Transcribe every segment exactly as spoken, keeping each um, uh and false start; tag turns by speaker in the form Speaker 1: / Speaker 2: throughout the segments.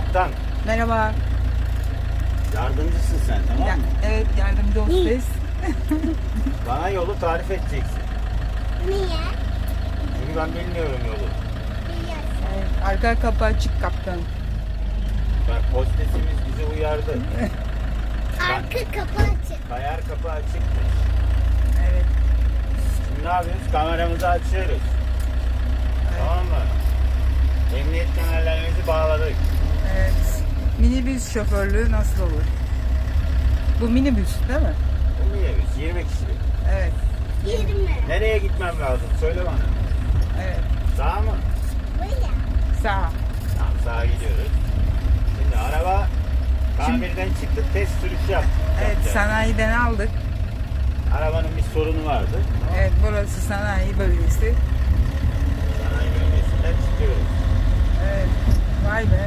Speaker 1: Kaptan.
Speaker 2: Merhaba.
Speaker 1: Yardımcısın sen, tamam
Speaker 2: Ya,
Speaker 1: mı?
Speaker 2: evet, yardımcı hostes.
Speaker 1: Bana yolu tarif edeceksin.
Speaker 3: Niye?
Speaker 1: Çünkü ben bilmiyorum yolu.
Speaker 3: Biliyorsun.
Speaker 2: Evet, arka kapı açık kaptan.
Speaker 1: Bak hostesimiz bizi uyardı.
Speaker 3: Arka kapı açık.
Speaker 1: Kayar kapı açıkmış.
Speaker 2: Evet.
Speaker 1: Şimdi ne yapıyoruz? Kameramızı açıyoruz. Tamam mı? Emniyet kemerlerimizi bağladık.
Speaker 2: Evet. Minibüs şoförlüğü nasıl olur? Bu minibüs değil mi?
Speaker 1: Bu minibüs yirmi kişilik.
Speaker 2: Evet.
Speaker 3: yirmi.
Speaker 1: Nereye gitmem lazım? Söyle bana.
Speaker 2: Evet.
Speaker 1: Sağa mı?
Speaker 3: Buraya.
Speaker 2: Sağ.
Speaker 1: Tamam, sağa gidiyoruz. Şimdi araba tamirden çıktı, test sürüşü yaptık.
Speaker 2: Evet,
Speaker 1: Yapacağız.
Speaker 2: sanayiden aldık.
Speaker 1: Arabanın bir sorunu vardı.
Speaker 2: Evet, burası sanayi bölgesi.
Speaker 1: Sanayi bölgesinden çıkıyoruz.
Speaker 2: Evet. Vay be.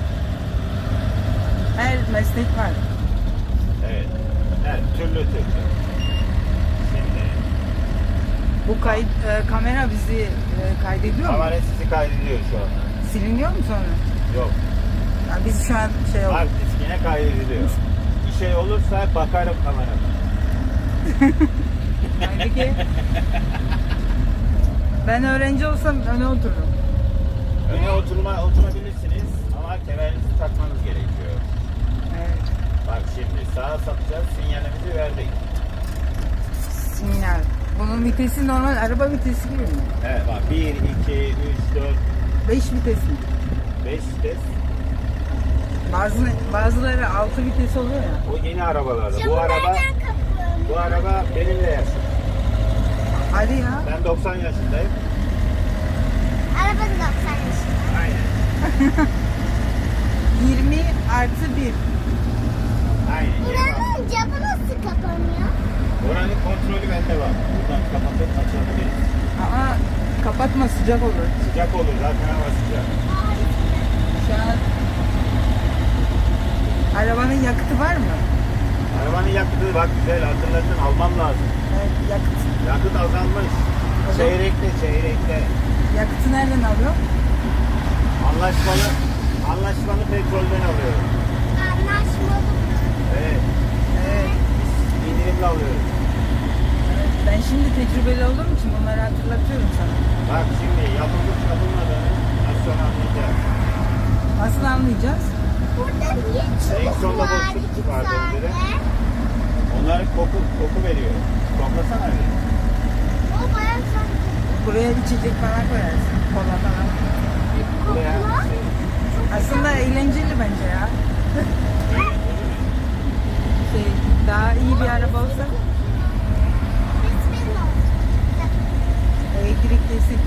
Speaker 2: Her meslek var.
Speaker 1: Evet. Evet, türlü türlü. Şimdi
Speaker 2: Bu kayıt, e, kamera bizi e, kaydediyor mu?
Speaker 1: kamera sizi kaydediyor şu an.
Speaker 2: Siliniyor mu sonra?
Speaker 1: Yok.
Speaker 2: Ya biz şu an şey oldu.
Speaker 1: Hard diskine kaydediliyor. Bir şey olursa bakarım kamerama.
Speaker 2: Peki. Ben öğrenci olsam öne otururum.
Speaker 1: Öne oturma, oturabilirsiniz ama kemerinizi takmanız gerekiyor.
Speaker 2: Evet.
Speaker 1: Bak şimdi sağa sapacağız, sinyalimizi verdik.
Speaker 2: Sinyal. Bunun vitesi normal araba vitesi gibi mi?
Speaker 1: Evet bak bir, iki, üç, dört,
Speaker 2: beş vites mi?
Speaker 1: beş vites.
Speaker 2: Bazı, bazıları altı vites oluyor ya.
Speaker 1: O yeni arabalarda. Bu
Speaker 3: Camı
Speaker 1: araba
Speaker 3: nereden kapıyorum?
Speaker 1: bu araba benimle yaşım.
Speaker 2: Hadi ya.
Speaker 1: Ben doksan yaşındayım.
Speaker 3: Araba da doksan yaşında.
Speaker 1: Aynen.
Speaker 2: yirmi artı bir.
Speaker 1: Aynen.
Speaker 3: Buranın camı nasıl kapanıyor?
Speaker 1: Oranın kontrolü bende var. Buradan kapatıp açabiliriz.
Speaker 2: Ama kapatma, sıcak olur.
Speaker 1: Sıcak olur zaten, hava sıcak.
Speaker 2: Şu an arabanın yakıtı var mı?
Speaker 1: Arabanın yakıtı bak güzel hatırladın, almam lazım.
Speaker 2: Evet, yakıt.
Speaker 1: Yakıt azalmış.
Speaker 2: O zaman-
Speaker 1: Çeyrekte çeyrekte.
Speaker 2: Yakıtı nereden alıyor?
Speaker 1: Anlaşmalı anlaşmalı petrolden alıyorum.
Speaker 3: Anlaşmalı mı?
Speaker 1: Evet.
Speaker 2: Evet.
Speaker 1: Biz indirimli alıyoruz.
Speaker 2: Evet. Ben şimdi tecrübeli olduğum için bunları hatırlatıyorum sana.
Speaker 1: Bak şimdi yapılıp yapılmadığını az sonra anlayacağız.
Speaker 2: Nasıl anlayacağız?
Speaker 3: Burada niye çubuk
Speaker 1: Direksiyonda
Speaker 3: var
Speaker 1: boşluk
Speaker 3: iki
Speaker 1: vardı
Speaker 3: tane?
Speaker 1: önceden. Onlar koku koku veriyor. Koklasana bir.
Speaker 3: O bayağı sanki.
Speaker 2: Buraya içecek falan koyarsın. Kola falan.
Speaker 1: Buraya
Speaker 3: Kokla.
Speaker 1: şey,
Speaker 2: Aslında eğlenceli bence ya. Şey, daha iyi bir araba olsa
Speaker 3: Resmin olsun.
Speaker 2: elektriklisi.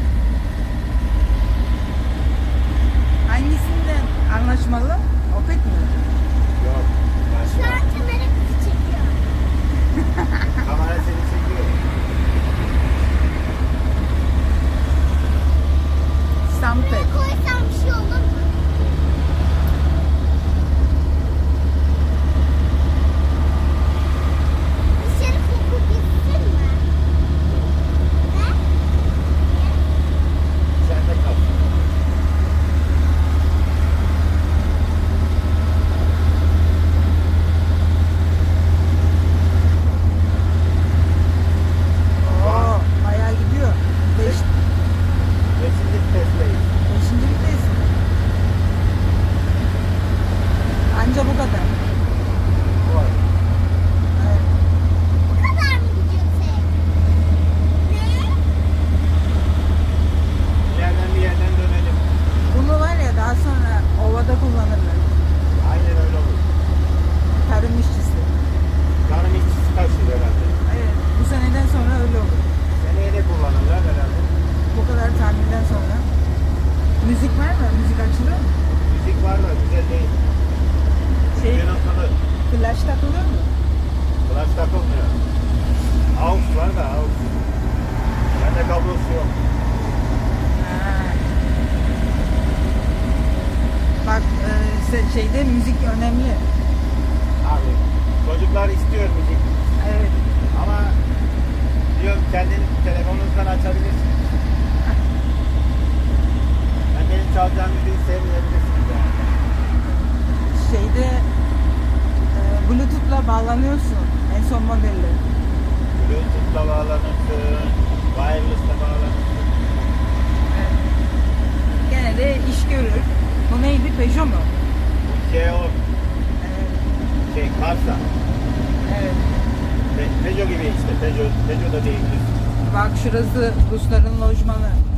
Speaker 2: Hangisinden anlaşmalı? Opet mi?
Speaker 1: yok.
Speaker 3: Şu
Speaker 1: Başka.
Speaker 3: an kamera bizi çekiyor.
Speaker 1: Kamera seni çekiyor.
Speaker 2: Sampet.
Speaker 3: Buraya koysam bir şey olur mu? Dışarı koku gitsin mi? Ne?
Speaker 1: İçeride kal.
Speaker 2: Oo, bayağı gidiyor. Beş,
Speaker 1: Beşinci vitesteyiz.
Speaker 2: beşinci vites. Anca bu kadar.
Speaker 1: Bu var.
Speaker 2: Evet.
Speaker 3: Bu kadar mı gidiyor tek? Ne?
Speaker 1: Bir yerden bir yerden dönelim.
Speaker 2: Bunu var ya daha sonra ovada kullanırlar.
Speaker 1: Aynen öyle olur.
Speaker 2: Tarım işçisi.
Speaker 1: Canım işçisi taşır herhalde.
Speaker 2: Evet, bu seneden sonra öyle olur.
Speaker 1: Seneye de kullanırlar herhalde.
Speaker 2: Bu kadar tamirden sonra. Müzik var mı? Müzik açılıyor mu?
Speaker 1: Müzik var da güzel değil.
Speaker 2: Şey,
Speaker 1: Bir noktada
Speaker 2: flash takılıyor mu?
Speaker 1: flash takılmıyor. Aux var da aux. Bende kablosu yok.
Speaker 2: Ha. Bak e, se- şeyde müzik önemli.
Speaker 1: Abi çocuklar istiyor müzik.
Speaker 2: Evet.
Speaker 1: Ama diyorum kendin telefonunuzdan açabilirsiniz. Ben benim çalacağım müziği sevmeyebilirsiniz yani.
Speaker 2: bağlanıyorsun. En son modeli.
Speaker 1: Bluetooth'la bağlanırsın, wireless'la bağlanırsın.
Speaker 2: Evet. Gene de iş görür. Bu neydi? Peugeot mu?
Speaker 1: Bu şey o,
Speaker 2: Evet.
Speaker 1: şey Karsa.
Speaker 2: Evet.
Speaker 1: Pe- Peugeot gibi işte, Peugeot, Peugeot da değildir.
Speaker 2: Bak şurası Rusların lojmanı.